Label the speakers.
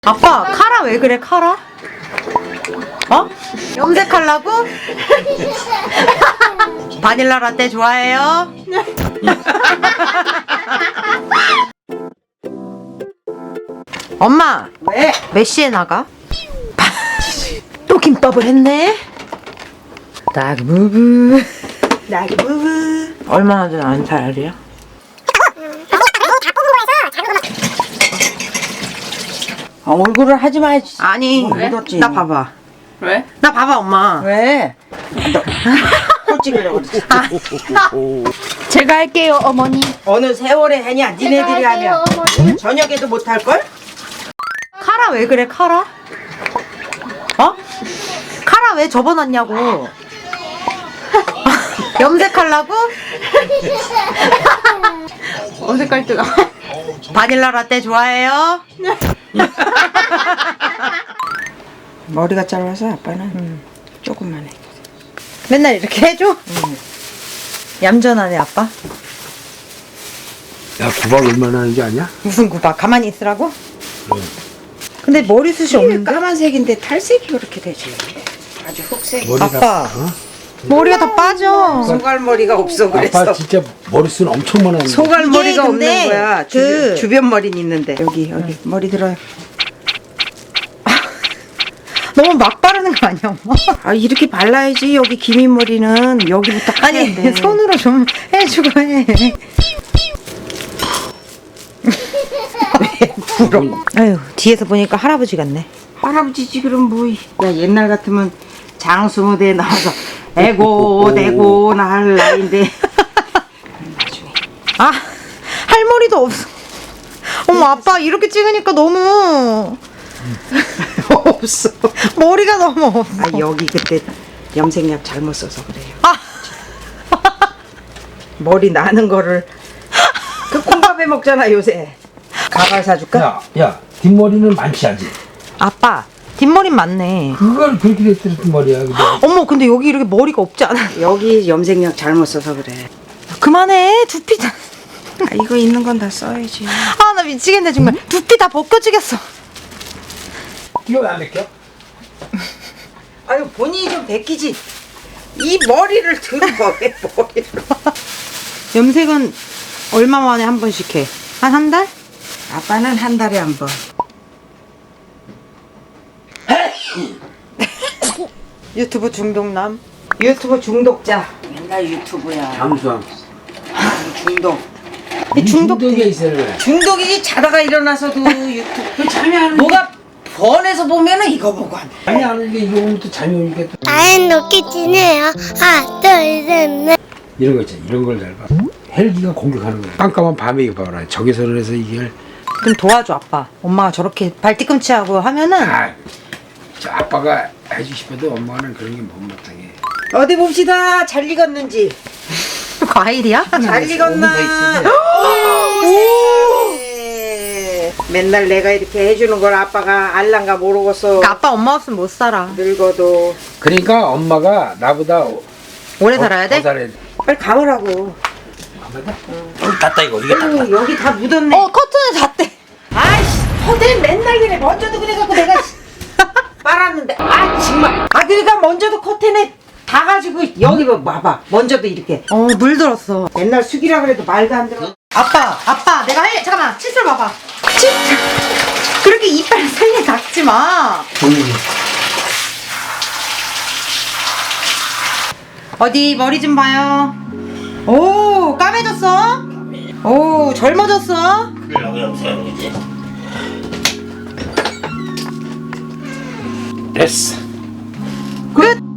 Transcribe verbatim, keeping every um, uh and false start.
Speaker 1: 아빠 카라 왜 그래 카라? 어? 염색하려고? 바닐라 라떼 좋아해요? 엄마
Speaker 2: 왜?
Speaker 1: 몇 시에 나가? 또 김밥을 했네? 나기 부부
Speaker 2: 나기 부부.
Speaker 1: 얼마나 된 안 살이야?
Speaker 2: 아, 얼굴을 하지 말지.
Speaker 1: 아니
Speaker 2: 뭐 묻었지.
Speaker 1: 나 봐봐
Speaker 3: 왜?
Speaker 1: 나 봐봐 엄마
Speaker 2: 왜? 코 찍으려고 그러지.
Speaker 3: 제가 할게요, 어머니.
Speaker 2: 어느 세월에 하냐? 니네들이 하면 오늘 저녁에도 못 할걸?
Speaker 1: 카라 왜 그래 카라? 어? 카라 왜 접어놨냐고 염색하려고?
Speaker 3: 어색할 때가.
Speaker 1: 바닐라 라떼 좋아해요?
Speaker 2: 머리가 짧아서 아빠는 조금만 해.
Speaker 1: 맨날 이렇게 해줘? 얌전하네 아빠.
Speaker 4: 야, 구박 얼마나 하는지 아냐?
Speaker 1: 무슨 구박 가만히 있으라고? 근데 머리숱이
Speaker 2: 이게
Speaker 1: 없는데?
Speaker 2: 까만색인데 탈색이 그렇게 되지. 아주 흑색.
Speaker 4: 머리가,
Speaker 1: 아빠.
Speaker 4: 어?
Speaker 1: 머리가 다 빠져.
Speaker 2: 소갈머리가 없어 그랬어.
Speaker 4: 아빠 진짜 머리숱 엄청 많았는데.
Speaker 2: 소갈머리가
Speaker 1: 이게 근데
Speaker 2: 없는 거야. 주,
Speaker 1: 그-
Speaker 2: 주변 머리는 있는데 여기 여기 머리 들어요.
Speaker 1: 너무 막 바르는 거 아니야 엄마?
Speaker 2: 아 이렇게 발라야지. 여기 기민 머리는 여기부터
Speaker 1: 아니
Speaker 2: 하는데.
Speaker 1: 손으로 좀 해주고 해.
Speaker 4: 부러워.
Speaker 1: 아유 뒤에서 보니까 할아버지 같네.
Speaker 2: 할아버지지 그럼 뭐. 야 옛날 같으면 장수 무대에 나와서 에고 대고 나 할 나이인데. 나중에
Speaker 1: 아 할머리도 없어. 어머 아빠 이렇게 찍으니까 너무
Speaker 2: 없어.
Speaker 1: 머리가 너무 없어.
Speaker 2: 아 여기 그때 염색약 잘못 써서 그래요.
Speaker 1: 아
Speaker 2: 머리 나는 거를 그 콩밥에 먹잖아 요새. 가발 사줄까?
Speaker 4: 야, 야, 뒷머리는 많지 않지?
Speaker 1: 아빠 뒷머리 많네.
Speaker 4: 그걸 그렇게 됐던 머리야. 근데
Speaker 1: 어머 근데 여기 이렇게 머리가 없지 않아?
Speaker 2: 여기 염색약 잘못 써서 그래.
Speaker 1: 그만해 두피 다.
Speaker 2: 아, 이거 있는 건 다 써야지.
Speaker 1: 아 나 미치겠네 정말. 두피 다 벗겨지겠어.
Speaker 4: 이거 왜 안 벗겨?
Speaker 2: 아유 본인이 좀 벗기지. 이 머리를 들어 왜 머리를?
Speaker 1: 염색은 얼마 만에 한 번씩 해? 한 한 달?
Speaker 2: 아빠는 한 달에 한 번.
Speaker 1: 유튜브 중독남.
Speaker 2: 유튜브 중독자. 맨날 유튜브야.
Speaker 4: 잠수함.
Speaker 2: 중독.
Speaker 1: 이 중독
Speaker 4: 중독이 있어야 돼.
Speaker 2: 중독이지 자다가 일어나서도 유튜브.
Speaker 4: 그 잠이 안 오니까.
Speaker 2: 뭐가 번에서 보면은 이거 보고 한다.
Speaker 4: 잠이 안 오니까 이거 보면 또 잠이 오니까 또
Speaker 5: 나는 높게 지네요. 하나, 둘, 셋, 넷.
Speaker 4: 이런 거 있잖아. 이런 걸 잘 봐. 헬기가 공격하는 거야. 깜깜한 밤에 이거 봐라. 적외선을 해서 이게
Speaker 1: 좀 도와줘 아빠. 엄마가 저렇게 발 뒤꿈치하고 하면은
Speaker 4: 아, 저 아빠가 해주고 싶어도 엄마는 그런 게 못 못하게.
Speaker 2: 어디 봅시다. 잘 익었는지.
Speaker 1: 과일이야?
Speaker 2: 잘 익었나?
Speaker 1: 오!
Speaker 2: 세상에. 맨날 내가 이렇게 해주는 걸 아빠가 알란가 모르겠어.
Speaker 1: 그러니까 아빠 엄마 없으면 못 살아.
Speaker 2: 늙어도.
Speaker 4: 그러니까 엄마가 나보다
Speaker 1: 오래 살아야 돼?
Speaker 4: 더 살아야 돼.
Speaker 2: 빨리 감으라고.
Speaker 4: 아마다? 여기 닫다 이거 이게 닫다.
Speaker 2: 아유, 여기 다 묻었네.
Speaker 1: 어 커튼에 잤대.
Speaker 2: 아이씨, 허들 맨날 그래. 먼저도 그래갖고 내가 빨았는데. 아, 정말. 아, 그러니까 먼저도 커튼에 다 가지고 여기 봐, 봐봐. 먼저도 이렇게.
Speaker 1: 어 물들었어.
Speaker 2: 맨날 숙이라 그래도 말도 안 들어.
Speaker 1: 아빠 아빠 내가 할 잠깐만 칫솔 봐봐. 칫 그렇게 이빨 살려 닦지 마. 어디 머리 좀 봐요. 오 까매졌어? 오 젊어졌어?
Speaker 4: 됐어.
Speaker 1: 끝.